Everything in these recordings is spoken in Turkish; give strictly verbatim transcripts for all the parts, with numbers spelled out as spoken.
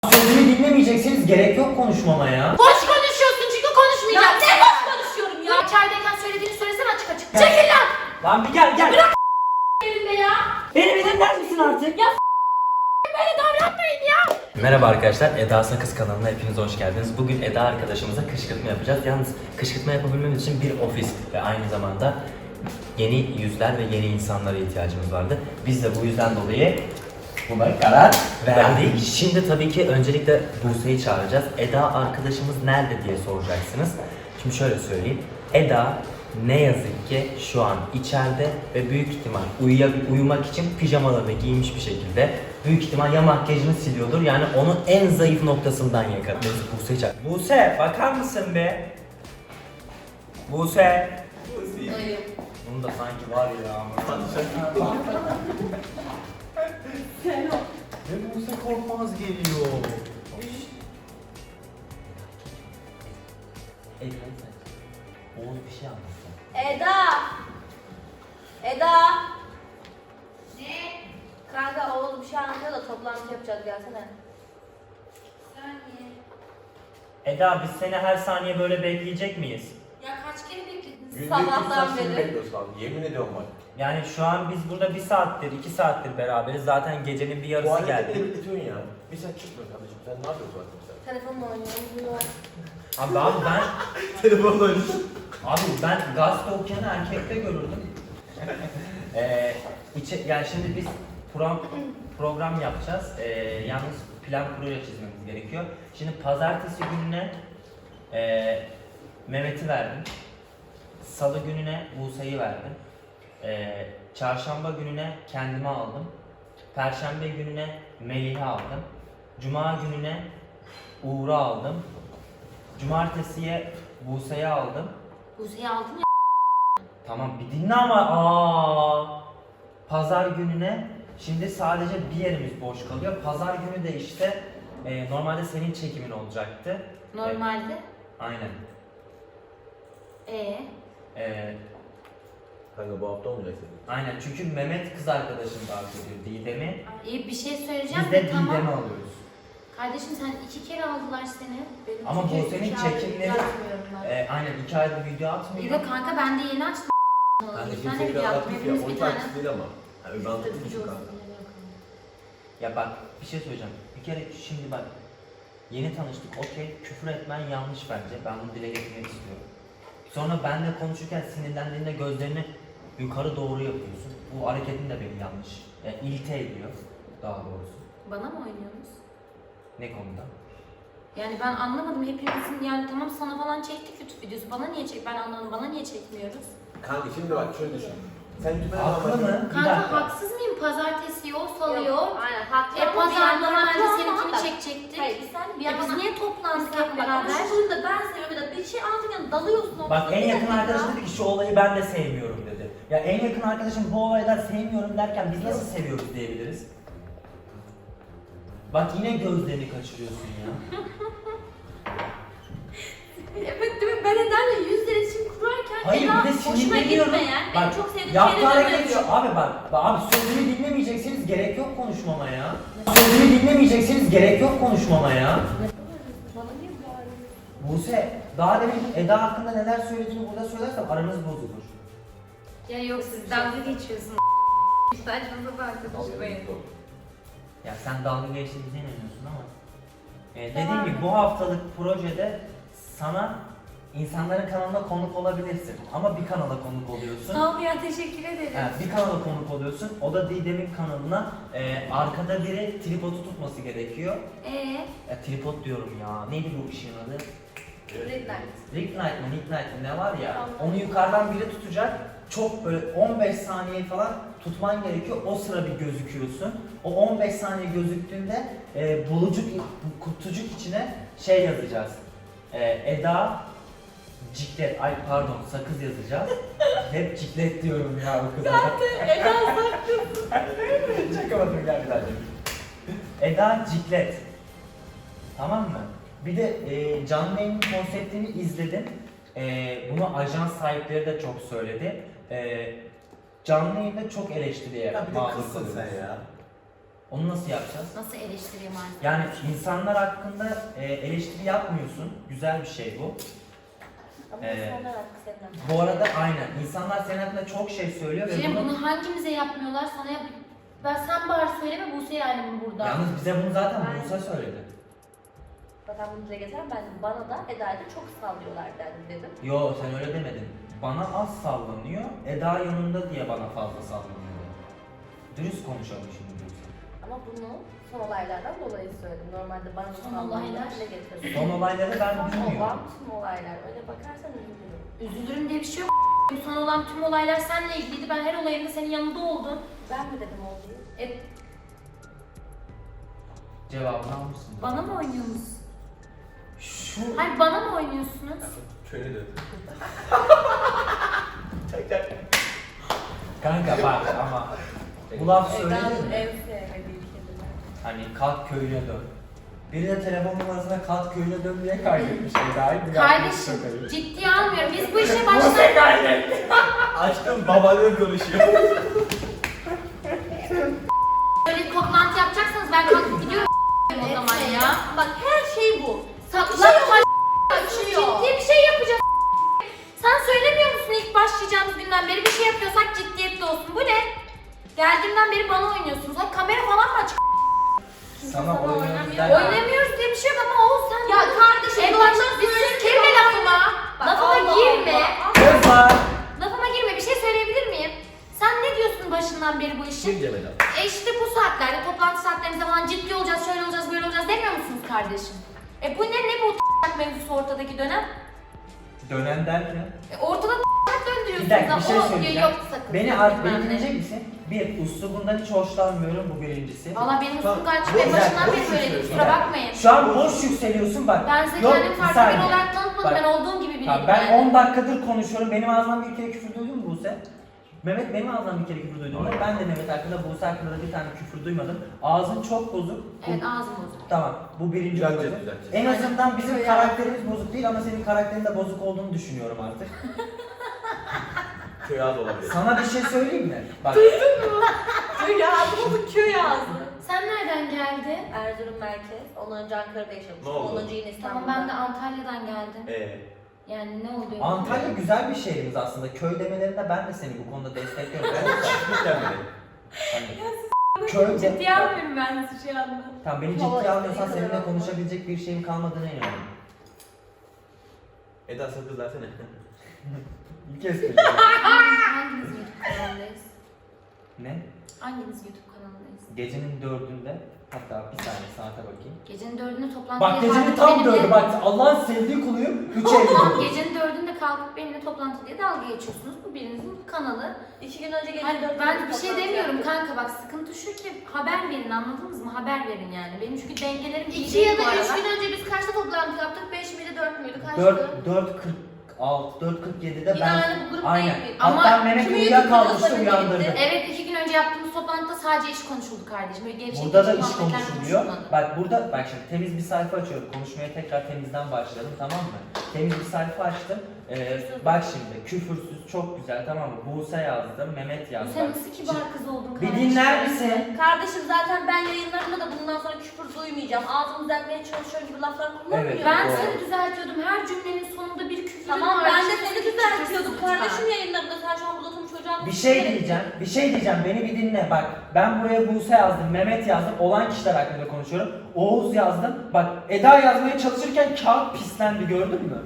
Sözümü dinlemeyeceksiniz, gerek yok konuşmama ya. Boş konuşuyorsun çünkü konuşmayacağım. Ne boş konuşuyorum ya? İçerideyken söylediğini söylesene açık açık. Çekil lan! Lan bir gel gel. Bırak elimde ya. Beni bir dinler misin artık? Ya böyle davranmayın ya. Merhaba arkadaşlar, Eda Sakız kanalına hepiniz hoş geldiniz. Bugün Eda arkadaşımıza kışkırtma yapacağız. Yalnız kışkırtma yapabilmemiz için bir ofis ve aynı zamanda yeni yüzler ve yeni insanlara ihtiyacımız vardı. Biz de bu yüzden dolayı buna karar verdik. Şimdi tabii ki öncelikle Buse'yi çağıracağız. Eda arkadaşımız nerede diye soracaksınız. Şimdi şöyle söyleyeyim. Eda ne yazık ki şu an içeride ve büyük ihtimal uyuya- uyumak için pijamalarını giymiş bir şekilde. Büyük ihtimal ya makyajını siliyordur, yani onun en zayıf noktasından yakar. Neyse Buse'yi çağır. Buse bakar mısın be? Buse. Hayır. Bunu da sanki var ya. Ve Buse Korkmaz geliyor. Ey sen. Oğuz bir şey anlatsın. Eda. Eda. Ne? Kanka oğlum bir şey anlatıyor da toplantı yapacağız, gelsene. Saniye. Eda biz seni her saniye böyle bekleyecek miyiz? Ya kaç kere bekledin? Günde Sabahtan iki saat beri. bekliyorsun abi. Yemin ediyorum bak. Yani şu an biz burada bir saattir, iki saattir beraberiz. Zaten gecenin bir Bu yarısı hareketleri geldi. bekletiyorsun ya. Bir saat çıkmıyor kardeşim. Sen ne yapıyorsun zaten bir saat? Telefonla oynuyorum. Abi, abi ben, Telefonla oynuyorsun. abi ben gazete okuyanı erkekte görürdüm. ee, içe, yani şimdi biz program, program yapacağız. Ee, yalnız plan proje çizmemiz gerekiyor. Şimdi pazartesi gününe ee, Mehmet'i verdim. Salı gününe Buse'yi verdim. Ee, çarşamba gününe kendime aldım. Perşembe gününe Melih'i aldım. Cuma gününe Uğur'u aldım. Cumartesiye Buse'yi aldım. Buse'yi aldın ya. Tamam bir dinle ama aa. Pazar gününe şimdi sadece bir yerimiz boş kalıyor. Pazar günü de işte e, normalde senin çekimin olacaktı. Normalde. E, aynen. Ee. E, Kanka bu hafta olmayacak senin. aynen çünkü Mehmet kız arkadaşını davet ediyor, Didem'i. İyi bir şey söyleyeceğim Biz de de tamam. Didem'i alıyoruz. Kardeşim sen iki kere aldılar seni. Benim Ama çünkü bu senin iki aydır çekimleri- yazmıyorum ben. E, aynen iki ayda video atmıyor. İyi de kanka ben de yeni açtım. Kanka Bir tane kimse video bir yaptım. aktif ya. Hepimiz On bir tane. takipçi değil ama. Yani öbür anlatayım düşün kanka. Ya bak bir şey söyleyeceğim. Bir kere şimdi bak yeni tanıştık, okey, küfür etmen yanlış bence. Ben bunu dile getirmek istiyorum. Sonra benle konuşurken sinirlendiğinde gözlerini yukarı doğru yapıyorsun. Bu hareketin de beni yanlış. Yani ilte ediyor daha doğrusu. Bana mı oynuyorsunuz? Ne konuda? Yani ben anlamadım, hepimizin yani tamam sana falan çektik YouTube videosu, bana niye çek, ben anlamadım, bana niye çekmiyoruz? Kanka şimdi bak şöyle düşün. Sen YouTube'a Haklı mı? Bir Kanka dakika. haksız mıyım? Pazartesi yok, salı yok. Yok, aynen haklı. E Ama pazar bir normalde yandan seninkini haklı. çekecektik. Hayır bir sen bir Ya biz yandan niye toplandık Bak, hep beraber? Şu konuda ben seviyorum ya da bir şey anlatırken dalıyorsun orada. Bak en yakın Bir dakika. arkadaşım dedi ki şu olayı ben de sevmiyorum dedi. Ya en yakın arkadaşım bu olaydan sevmiyorum derken biz nasıl seviyoruz diyebiliriz? Bak yine gözlerini kaçırıyorsun ya. Evet değil mi? Ben Eda'yla yüz iletişim kurarken Hayır Eda bir de hoşuma sinirleniyorum. gitmeyen, Bak, benim çok sevdiğim yaptığı şeyleri hareket yapıyor. şu. Abi bak, bak abi sözümü dinlemeyeceksiniz, gerek yok konuşmama ya. Sözümü dinlemeyeceksiniz, gerek yok konuşmama ya. Bana niye bağırıyorsun? Buse, daha demin Eda hakkında neler söylediğini burada söylersem aranız bozulur. Ya yok siz dalga geçiyorsunuz. Saçma sapan konuşmayın. Ya sen dalga geçtiğimize inanıyorsun ama. Ee, dediğim gibi bu haftalık projede sana insanların kanalına konuk olabilirsin. Ama bir kanala konuk oluyorsun. Sağ ol ya, teşekkür ederim. Evet, bir kanala konuk oluyorsun. O da Didem'in kanalına e, arkada biri tripodu tutması gerekiyor. Ee, Ya tripod diyorum ya. Neydi bu işin adı? Red light. Ring light mı, Nick light mı ne var ya? Onu yukarıdan biri tutacak. Çok böyle on beş saniye falan tutman gerekiyor. O sıra bir gözüküyorsun. O on beş saniye gözüktüğünde e, bulucuk, kutucuk içine şey yazacağız. E, Eda Ciklet, ay pardon sakız yazacağız. Hep ciklet diyorum ya bu kıza. Eda sakın. Çakamadım gel bir daha çek. Eda Ciklet. Tamam mı? Bir de e, canlı yayının konseptini izledim. E, bunu ajans sahipleri de çok söyledi. E, canlı yayında çok eleştiriye Ya bir de maruz kızsın kalıyoruz. sen ya. Onu nasıl yapacağız? Nasıl eleştireyim artık? Yani insanlar hakkında e, eleştiri yapmıyorsun. Güzel bir şey bu. Ama Ee, insanlar hakkı senin. Bu arada aynen. İnsanlar senin hakkında çok şey söylüyor ve Senin bunu... bunu hangimize yapmıyorlar? Sana yap... Ben sen bari söyleme Buse yani burada. Yalnız bize bunu zaten Ben- Buse söyledi. Zaten bunu dile getiren ben bana da Eda'ya da çok sallıyorlar dedim dedim. Yo sen öyle demedin. Bana az sallanıyor, Eda yanında diye bana fazla sallanıyor. Dürüst konuşalım şimdi Buse. Ama bunu son olaylardan dolayı söyledim. Normalde bana Son sallananlar olaylar? dile getirdim. Son olayları ben Son olan bilmiyorum. tüm olaylar. Öyle bakarsan üzülürüm. Üzülürüm diye bir şey yok. Son olan tüm olaylar seninle ilgiliydi. Ben her olayında senin yanında oldum. Ben mi dedim olduğu? E, Cevabını almışsın. bana mı oynuyorsunuz? Şu... Hayır bana mı oynuyorsunuz? Şöyle dön. Kanka bak ama bu laf söylenir Eda'nın mi? en sevmediği kelimeler. Hani kalk köyüne dön. Biri de telefon numarasına kalk köyüne dön diye kaydetmiş Eda'yı. Bir Kardeşim yapmış şakayı. ciddiye almıyorum. Biz bu işe Buse başlar. kaydetti. Açtım babalığı konuşuyor. Böyle toplantı yapacaksanız ben kalkıp gidiyorum o zaman ya. Bak her şey bu. Saklanma Açıyor. ciddi bir şey yapacağız. Sen söylemiyor musun ilk başlayacağımız günden beri bir şey yapıyorsak ciddiyetli olsun. Bu ne? Geldiğimden beri bana oynuyorsunuz. Ha kamera falan mı açık? Sana oynuyoruz oynamıyor. derken... Oynamıyoruz diye bir şey yok ama Oğuz sen... Ya kardeşim, en bu başta ondan bir sonra sus girme lafıma. Bak, Lafıma Allah girme. Allah. Kızlar! Lafıma girme. Bir şey söyleyebilir miyim? Sen ne diyorsun başından beri bu işin? Kim Cemil abi? E işte bu saatlerde, toplantı saatlerimizde falan ciddi olacağız, şöyle olacağız, böyle olacağız demiyor musunuz kardeşim? E bu ne, ne bu mevzusu ortadaki dönem? Dönen derken... E ortada döndürüyorsunuz Bir dakika bir ama şey o söyleyeceğim. yok sakın. Beni, bilmem ar- beni ne. dinleyecek misin? Bir, üslubundan hiç hoşlanmıyorum, bu birincisi. Valla benim Tamam, usum kaçtı bu en başından güzel, beri boş böyleydi, yükseliyorsun. kusura bakmayın. Şu an boş yükseliyorsun bak. Ben size Yok, kendimi bir farklı saniye. biri olarak tanıtmadım, Bak. ben olduğum gibi biriyim Tamam, ben yani. on dakikadır konuşuyorum, benim ağzımdan bir kere küfür duydun mu Buse? Mehmet benim ağzımdan bir kere küfür duydum mu? Ben de Mehmet hakkında, Buse hakkında da bir tane küfür duymadım. Ağzın çok bozuk. Evet ağzım bozuk. Tamam, bu birinci Düzelteceğiz, bozuk. düzelteceğiz. En azından bizim Köy karakterimiz bozuk değil ama senin karakterin de bozuk olduğunu düşünüyorum artık. Köy ağzı olabilir. Sana bir şey söyleyeyim mi? Bak, Köy ağzı bu köy ağzı. Sen nereden geldin? Erzurum merkez. Ondan önce Ankara'da yaşamıştım. Ne oldu? Ondan önce yine İstanbul'da. Tamam ben de Antalya'dan geldim. Eee? Yani ne oluyor? Antalya güzel bir şehrimiz aslında. Köy demelerinde ben de seni bu konuda destekliyorum. Ben de çiftlik gelmedi. Hani, köyde... Ciddiye almıyorum ben sizi şu anda. Tamam beni Hava ciddiye almıyorsan istediği kadar seninle olma. konuşabilecek bir şeyim kalmadığına inanıyorum. Eda sakız versene. İlk kez söylüyorum. Hanginiz YouTube kanalındayız? Ne? Hanginiz YouTube kanalındayız? Gecenin dördünde, hatta bir saniye saate bakayım. Gecenin dördünde toplantıya Bak gecenin kalkıp tam benimle- dördü bak Allah'ın sevdiği kuluyum. Üç Eylül. Gecenin dördünde kalkıp benimle toplantı diye dalga geçiyorsunuz. Bu birinizin kanalı. İki gün önce gece Hayır, dört ben gibi bir şey toplantı demiyorum yaptık. kanka bak sıkıntı şu ki haber verin anladınız mı? Haber verin yani. Benim çünkü dengelerim iyi İki değil ya bu da üç aralar. gün önce biz kaçta toplantı yaptık? Beş miydi, dört müydü? Kaçtı? dört, dört kırk altı, dört kırk yedide Yine ben... aynı bu grupta Aynen. mıydı? Ama Hatta Mehmet kimi uyuyakalmıştı YouTube'da uyandırdı. gitti? Evet iki gün önce yaptığımız toplantıda sadece iş konuşuldu kardeşim. Böyle gevşek Burada da gevşek iş muhabbetler konuşuluyor. konuşulmadı. Bak burada bak şimdi temiz bir sayfa açıyorum. Konuşmaya tekrar temizden başlayalım tamam mı? Temiz bir sayfa açtım. Ee, bak şimdi küfürsüz çok güzel tamam mı? Buse yazdım, Mehmet yazdı. Sen Bak, nasıl kibar kız oldun Bir kardeşim? dinler misin? Kardeşim zaten ben yayınlarımda da bundan sonra küfür duymayacağım. Ağzımı düzeltmeye çalışıyorum gibi laflar kullanmıyorum. Evet, Ben doğru. seni düzeltiyordum. Her cümlenin sonunda bir küfür Tamam var. ben de Küfür, seni küfür, düzeltiyordum küfür, kardeşim lütfen. yayınlarında. Sen şu an burada oturup çocuğa Bir şey diyeceğim, bir şey diyeceğim. Beni bir dinle. Bak ben buraya Buse yazdım, Mehmet yazdım. Olan kişiler hakkında konuşuyorum. Oğuz yazdım. Bak Eda yazmaya çalışırken kağıt pislendi gördün mü?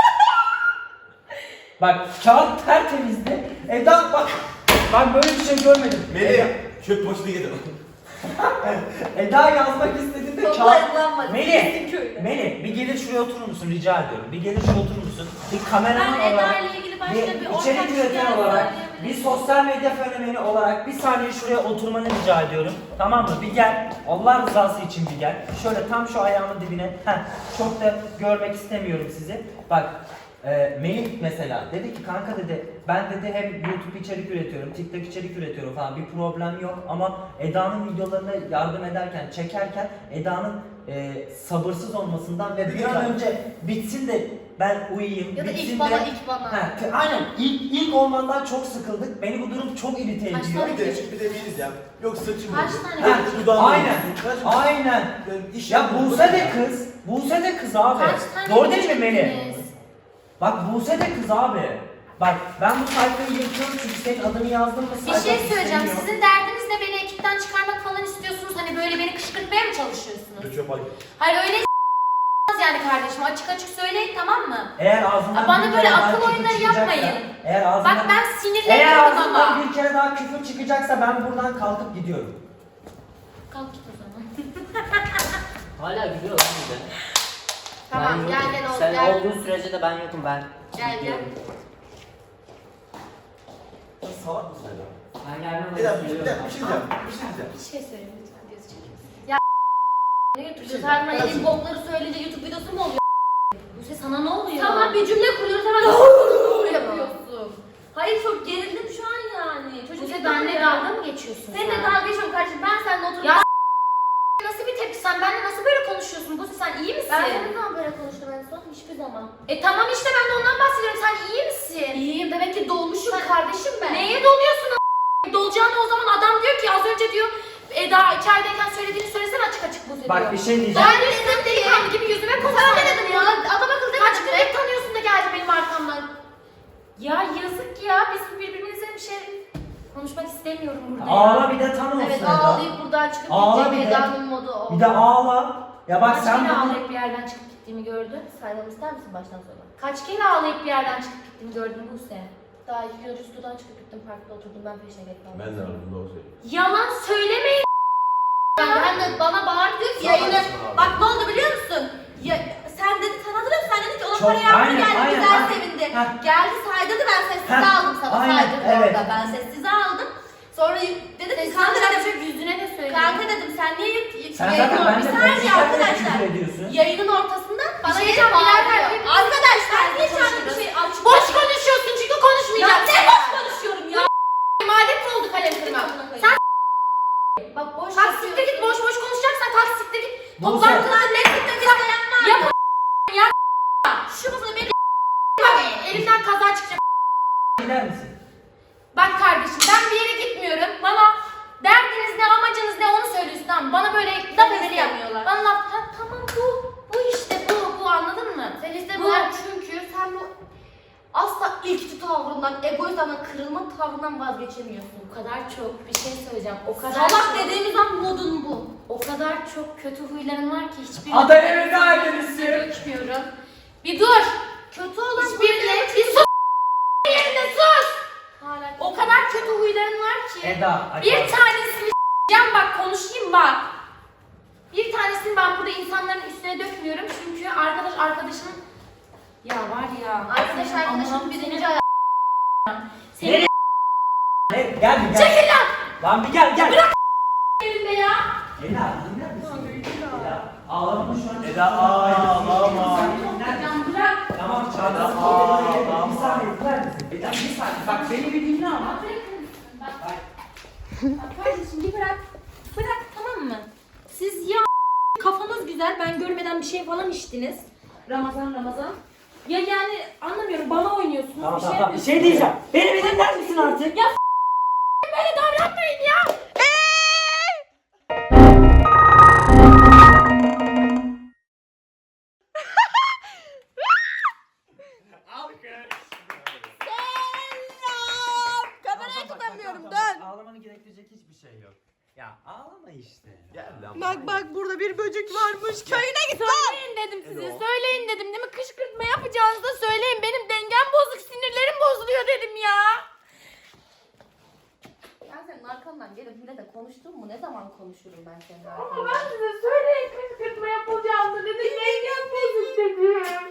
Bak kağıt tertemizdi. Eda bak ben böyle bir şey görmedim. Eda, Melih, çöp poşeti getir. Eda yazmak istediğinde kağıt... Toplayılanmadı. Melih, köyde. Melih bir gelir şuraya oturur musun rica ediyorum. Bir gelir şuraya oturur musun? Bir kameraman Ben olarak... Eda ile ilgili başka Bir bir ortak içerik şeyler üreten olarak, bir söyleyebilirim. sosyal medya fenomeni olarak bir saniye şuraya oturmanı rica ediyorum. Tamam mı? Bir gel. Allah rızası için bir gel. Şöyle tam şu ayağımın dibine. Heh, çok da görmek istemiyorum sizi. Bak e, Melih mesela dedi ki kanka dedi ben dedi hem YouTube içerik üretiyorum, TikTok içerik üretiyorum falan bir problem yok ama Eda'nın videolarını yardım ederken, çekerken Eda'nın e, sabırsız olmasından ve bir an önce bitsin de ben uyuyayım. Ya da bitsin ilk bana, de- ilk bana. Ha, t- aynen ilk, ilk olmandan çok sıkıldık. Beni bu durum çok irite Kaç ediyor. tane- Bir de, bir de bir diyeceğim. Yok saçım Kaç oldu. tane- Ha, Dudağım aynen. oldu. Saçım- Aynen. Ben iş Ya yapmadım Buse ya. de kız. Buse de kız abi. Kaç tane Doğru değil mi Melih? yiyeceksiniz? Bak Buse de kız abi. Bak ben bu sayfayı yırtıyorum çünkü senin adını yazdım mı Bir sayfa şey söyleyeceğim. istemiyor. Sizin derdiniz ne? Beni ekipten çıkarmak falan istiyorsunuz. Hani böyle beni kışkırtmaya mı çalışıyorsunuz? Dur çöp alayım. Hayır öyle yani kardeşim. Açık açık söyleyin, tamam mı? Eğer ağzından Aa, bana bir böyle kere daha akıl küfür oyunları çıkacaksa- yapmayın. Eğer ağzından, Bak ben eğer sinirleniyorum ağzından ama. bir kere daha küfür çıkacaksa ben buradan kalkıp gidiyorum. Kalk git o zaman. Hala gülüyor lan bir de. Tamam Ben gel yokum. gel ol Sen gel. olduğun sürece de ben yokum ben. Gel gel. Sen salak mısın Eda? Ben gelmem. Eda bir şey bir dakika, bir şey diyeceğim. Bir şey diyeceğim. Bir şey söyleyeyim lütfen. Göz çekiyorsun. Ne götürüyorsun? Sen bana yediğin bokları söyleyince YouTube videosu mu oluyor? Buse sana ne oluyor? Tamam bir cümle kuruyoruz hemen yapıyorsun. Hayır çok gerildim şu an yani. Çocuk Buse gibi benimle ya. dalga mı geçiyorsun Seninle sen? dalga geçiyorum kardeşim. Ben seninle oturup Ya nasıl bir tepki? Sen benimle nasıl böyle konuşuyorsun? Buse sen iyi misin? ben seninle zaman böyle konuştum en son hiçbir zaman. E tamam işte ben de ondan bahsediyorum. Sen iyi misin? İyiyim demek ki dolmuşum Sen- kardeşim ben. Neye doluyorsun a**? Dolacağını o zaman adam diyor ki az önce diyor Eda içerideyken söylediğini söylesene açık açık Buse diyor. Bak bir şey diyeceğim. Ben dedim delikanlı gibi yüzüme Sana konuşsana ne dedim ya? Adam akıllı Kaç demedim gündür de. tanıyorsun da geldi benim arkamdan. Ya yazık ya biz birbirimize bir şey konuşmak istemiyorum burada ya. Ağla bir de tam olsun Evet Eda. ağlayıp buradan çıkıp Ağla gidecek bir de. Eda'nın modu o. Bir de ağla. Ya bak Kaç sen kere bunu... ağlayıp bir yerden çıkıp gittiğimi gördün? Saymamı ister misin baştan sona? Kaç kere ağlayıp bir yerden çıkıp gittiğimi gördün Buse? Daha iki gün önce stüdyodan çıkıp gittim parkta oturdum ben peşine gelip kaldım. Ben de varım doğru söylüyorum. Yalan söylemeyin. Ben, ben de bana bağırdı diyor ki Sağ yayını. olasın abi. Bak ne oldu biliyor musun? Ya, sen dedi sen hatırlıyor musun? Sen dedin ki ona Çok- para yardım aynen, geldi aynen, güzel ha. sevindi. Ha. Geldi saydırdı ben sessize Ha, aldım sana aynen, saydırdı evet. orada ben sessize aldım. Sonra y- dedim ki kanka Kanka dedim, yüzüne de söyleyeyim. kanka dedim sen niye yut, yut, Sen yayının zaten or- benimle bir saniye konuşurken de arkadaşlar. küfür ediyorsun. Yayının ortasında bana şey gelip diyeceğim, birader, bağırıyor. hepimiz- Arkadaşlar niye şu an bir konuşuyoruz. şey açık? Boş konuşuyorsun çünkü Ya konuşmayacaksın. ne boş konuşuyorum ya? Madem mi oldu kalem kırma? Sen Bak boş kalk siktir git boş boş konuşacaksan kalk siktir git. Buse. Toplantıda ne siktir git yapma. Yap ya. Şu masada beni Bak elimden kaza çıkacak. Gider misin? Bak kardeşim ben bir yere gitmiyorum. Bana derdiniz ne amacınız ne onu söylüyorsun tamam mı? Bana böyle laf ederi yapmıyorlar. Bana laf ha, tamam bu bu işte bu bu anladın mı? Sen işte Bu- bu çünkü sen bu asla ilkçi tavrından, egoizmden, kırılma tavrından vazgeçemiyorsun. O kadar çok bir şey söyleyeceğim. O kadar Salak çok, dediğimiz an modun bu. o kadar çok kötü huyların var ki hiçbir Aday evinde ailesi. dökmüyorum. Bir dur. Kötü olan Hiçbirine bir sus yerine sus. Hala O kadar kötü huyların var ki. Eda. Bir hadi. tanesini s**eceğim bak konuşayım bak. Bir tanesini ben burada insanların üstüne dökmüyorum çünkü arkadaş arkadaşın ya var ya. arkadaş senin arkadaşın Allah'ım birinci seni- ayağı. Senin Nereye? Ne? Gel bir gel. çekil lan Lan bir gel gel. Bırak. elinde ya. Eda dinler misin? Eda. Ağlama şu an. Eda ağlama. Can bırak. Tamam çağırdı. Ağlama. Bir saniye dinler misin? Eda bir saniye. Bak beni bir dinle ama. Bak. Bak kardeşim bir bırak. Bırak tamam mı? Siz ya kafanız güzel ben görmeden bir şey falan içtiniz. Ramazan Ramazan. Ya yani anlamıyorum bana oynuyorsunuz Tamam bir şey tamam tamam. Bir yapıyorsunuz. şey diyeceğim. Beni bir dinler misin artık? Ya böyle davranmayın ya. Kamerayı tutamıyorum Tamam, dön. tamam. Ağlamanı gerektirecek hiçbir şey yok. Ya ağlama işte. Gel lan. Bak bak burada bir böcek varmış. Köyüne git lan. Söyleyin dedim size. Söyleyin dedim değil mi? Kışkırtma yapacağınızda söyleyin. Benim dengem bozuk, sinirlerim bozuluyor dedim ya. Ben senin arkandan gelip yine de konuştum mu? Ne zaman konuşurum ben senin Ama arkandan? ben size söyleyin kışkırtma yapacağınızda dedim. Dengem bozuk dedim.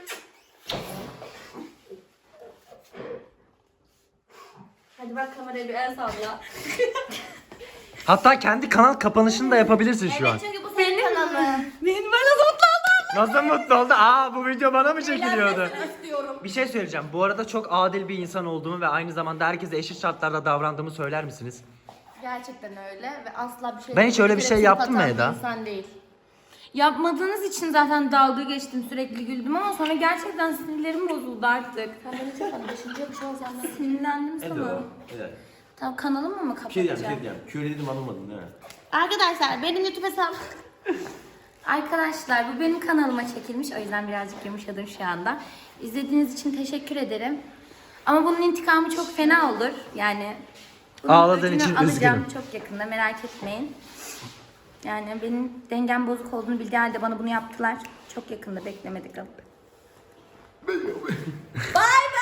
Hadi bak kameraya bir el salla. Hatta kendi kanal kapanışını da yapabilirsin şu an. Evet çünkü bu senin kanalın. Benim ben nasıl mutlu oldum. Nasıl mutlu oldu? Aa bu video bana mı çekiliyordu? Eğlenmesini istiyorum. Bir şey söyleyeceğim. Bu arada çok adil bir insan olduğumu ve aynı zamanda herkese eşit şartlarda davrandığımı söyler misiniz? Gerçekten öyle ve asla bir şey... Ben hiç öyle bir şey trip yaptım mı atan Eda? insan değil. Yapmadığınız için zaten dalga geçtim, sürekli güldüm ama sonra gerçekten sinirlerim bozuldu artık. Sen beni çok hani düşünecek bir şey olacağım. Sinirlendim sana. Evet. Tamam, kanalımı mı Bir şey diyeceğim, bir şey kapatacağım? diyeceğim. Küre dedim anlamadın değil mi? Arkadaşlar benim YouTube hesabım... Arkadaşlar bu benim kanalıma çekilmiş. O yüzden birazcık yumuşadım şu anda. İzlediğiniz için teşekkür ederim. Ama bunun intikamı çok fena olur. Yani bunun Ağladığın öcünü için alacağım üzgünüm. çok yakında, merak etmeyin. Yani benim dengem bozuk olduğunu bildiği halde bana bunu yaptılar. Çok yakında, beklemedik. Bye bye.